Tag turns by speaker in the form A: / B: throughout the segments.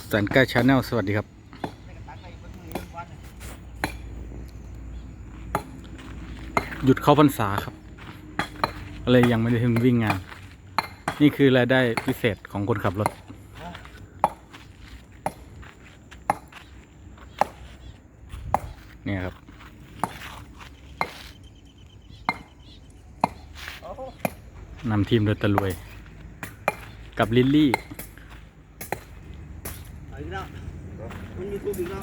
A: แสนใกล้ชาแนลสวัสดีครับหยุดเข้าพรรษาครับเลยยังไม่ได้ถึงวิ่งงานนี่คือรายได้พิเศษของคนขับรถเนี่ยครับนำทีมโดยตะลุยกับลิลลี่
B: มันมีทูบอีกแล้ว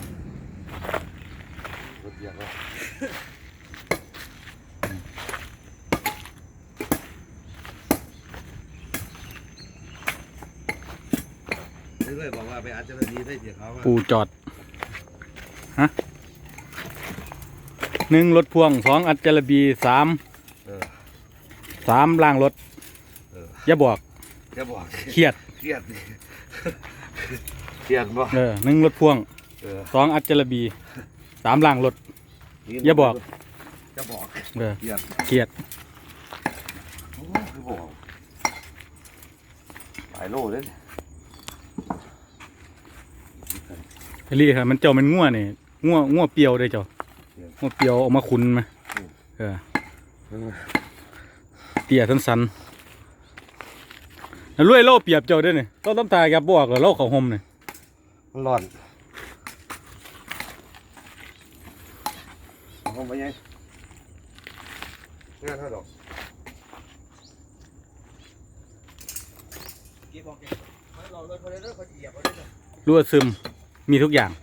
B: เรื่อยๆบอกว่าไปอาจจะดีได้เสียเขา
A: ปูจอดฮะ1รถพ่วง2อัจฉริบี3ล่างรถอย่าบอกเครียดบ่1รถพ่วง2อัจฉริบี3ล่างรถอย่าบอกเครียด
B: หลายโลเลย
A: ลี่ครับมันเจ้ามันง่วนี่ง่วเปรียวเลยเจ้าง่วเปรียวออกมาขุนไหมเตี่ยสั้นๆแล้วรวยโล่เปียบเจ้าด้วยนี่ต้องตาแกบอกเลยโล่เขาห่มนี่
B: มันร้อนห่มไปยังงานเท่าดอก
A: รั่วซึมมีทุกอย่าง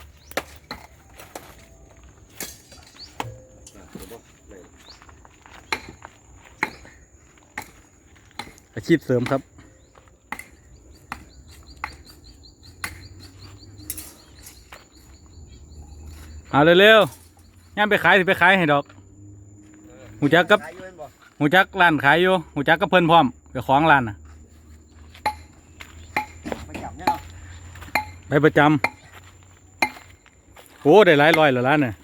A: อาชีพเสริมครับเอาเร็วๆย่ามไปขายสิไปขายให้ดอกหูจักกับหูจักร้านขายอยู่หูจักกับเพิ่นพร้อมไปของร้านน่ะไปประจำโอ้ได้หลายร้อยแล้วร้านเนี่ย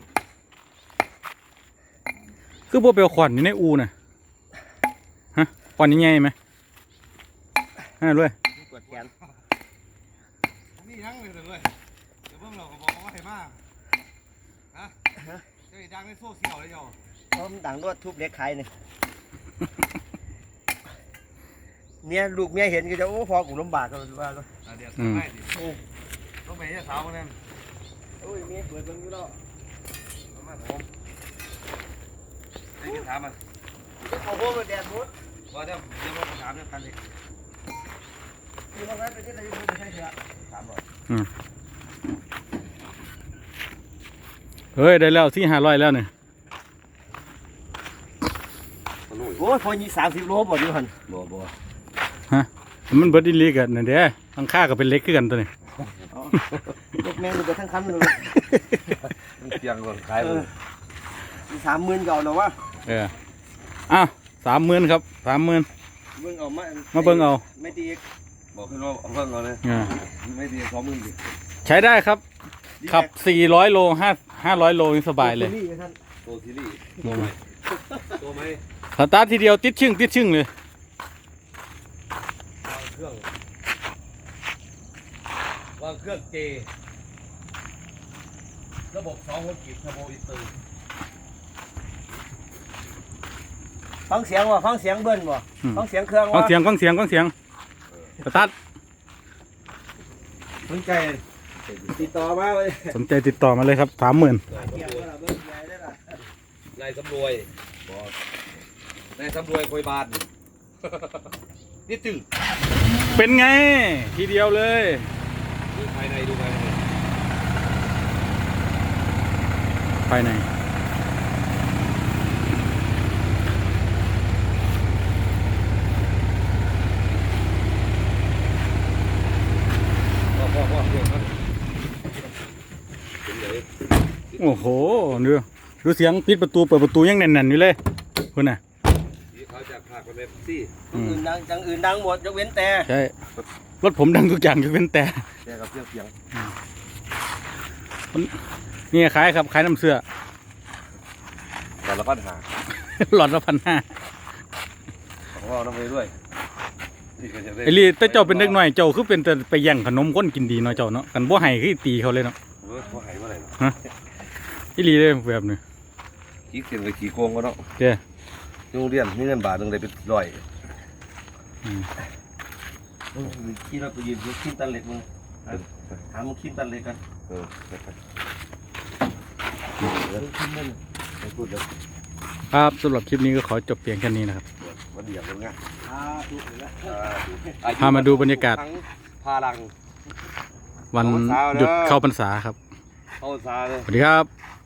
A: คือพวกเปลวขวัญอยู่ในอูน่ะฮะขวัญยังไงไหมฮะด้วย
B: นี่ยังเลยด้วยเดี๋ยวเพิ่งเราก็บอกว่าให้มากฮะจะไปดังในโซเชียลเลยเจ้าเพราะมันดังรวดทุบเล็กใครเนี่ยลูกเมียเห็นก็จะโอ้พอกูลำบากกันว่าเลยเดี๋ยวไม่ดิต้องไปเนี่ยสาวคนนั้นโอ้ยเมียเปิดเบิ่งอยู่แล้วมาผมนี่ถามมันเขาโบ้มาแดดมุดว่าเดี๋ยวมาถามเรื่องกันดิที่ห้องนั้นเป็นที่ไหนอยู่ไม่ใช่เหรอถามหน่อย
A: เฮ้ยได้แล้ว400-500แล้วเนี่ย
B: โอ้ยพอยี่30 โลบ่อยู่หันบ่
A: ฮะมันเบิดอีลีกันนั่นเด้ทั้งค่าก็เป็นเล็กขึ้นกันตัวนี้
B: ยกแม่งไปทั้งคันเลยมันเพียงก่อนขายเลย30,000ก่อนหรอวะ
A: อ้าว30,000ครับ30,000
B: เบิ่งเอา
A: มาเบิ่งเอา
B: ไม่ดีบอกให้เราเบิ่งเอาเลยไม่ดี20,000ดิ
A: ใช้ได้ครับขับ400 โล500 โลนี่สบายเลย
B: โตซีรีส์โตไหม
A: สตาร์ททีเดียวติดชึ่งเลย
B: วางเครื่องเจระบบ2 หัวกีบเทอร์โบอินเตอร์ฟังเสียงฟังเสียงเบิ้ลฟังเสียงเครื่อง
A: ฟังเสียงสตาร์ท
B: สนใจติดต่อมาเลย
A: สนใจติดต่อมาเลยครับ30,000
B: นายสำรวยโคยบานนี่ตึง
A: เป็นไงทีเดียวเลย
B: ดูภายในพ่อ
A: โอ้โหดูเสียงปิดประตูเปิดประตูยังแน่นๆอยู่เลยคุณน่ะ
B: เขาจะพาคนไปซี่อื่นดังหมดยกเว้นแต่
A: ใช่รถผมดังทุกอย่างยกเว้นแต่
B: กับเสียง
A: นี่ขายครับขายน้ำเสื้อ
B: หลอดละ1,500
A: หลอดละ1,500
B: ของเราต้องไปด้วย
A: ไอ้ลีแต่เจ้าเป็นเด็กน้อยเจ้าคือเป็นแต่ไปแย่งขนมคนกินดีเนาะเจ้าเนาะกันบ่ให้คือตีเขาเลยเนาะ
B: พอหายเมื่อไหร่
A: อีลีเลยแบบนี้
B: ขี้เกียจไปขี้โกงก็เนาะ
A: เด้อ
B: โรงเรียนมีเงินบาทหนึ่งเลยเป็นร้อยขี้เราไปยืนขี้ตันเหล็กมึงถามมึงขี้ตันเหล็กกันพูดเลย
A: ครับสำหรับคลิปนี้ก็ขอจบเพียงแค่นี้นะครับ
B: วันเดียวกันไง
A: พามาดูบรรยากาศ
B: พาลัง
A: วันหยุดเข้าพรรษาครับ
B: เข้าซาเลย
A: สวัสดีครับ